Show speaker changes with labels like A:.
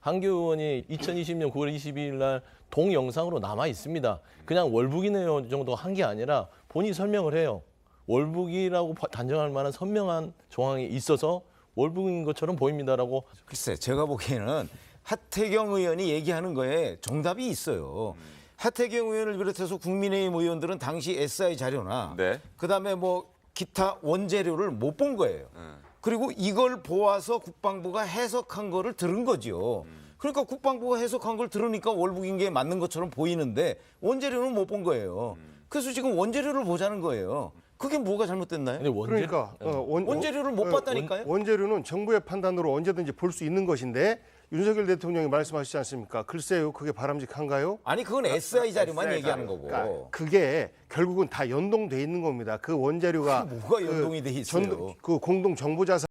A: 한교 의원이 2020년 9월 22일 날 동영상으로 남아 있습니다. 그냥 월북이네요 정도 한 게 아니라 본인이 설명을 해요. 월북이라고 단정할 만한 선명한 정황이 있어서 월북인 것처럼 보입니다라고.
B: 글쎄, 제가 보기에는 하태경 의원이 얘기하는 거에 정답이 있어요. 하태경 의원을 비롯해서 국민의힘 의원들은 당시 SI 자료나
C: 네.
B: 그다음에 뭐 기타 원재료를 못 본 거예요. 그리고 이걸 보아서 국방부가 해석한 거를 들은 거죠. 그러니까 국방부가 해석한 걸 들으니까 월북인 게 맞는 것처럼 보이는데 원재료는 못 본 거예요. 그래서 지금 원재료를 보자는 거예요. 그게 뭐가 잘못됐나요?
A: 근데
D: 그러니까
B: 원재료를 못 봤다니까요?
D: 원재료는 정부의 판단으로 언제든지 볼 수 있는 것인데 윤석열 대통령이 말씀하시지 않습니까? 글쎄요, 그게 바람직한가요?
B: 아니 그건 SI 자료만 얘기하는 거고.
D: 그러니까 그게 결국은 다 연동돼 있는 겁니다. 그 원재료가
B: 뭐가 연동이 돼 있어요?
D: 그 공동 정보자산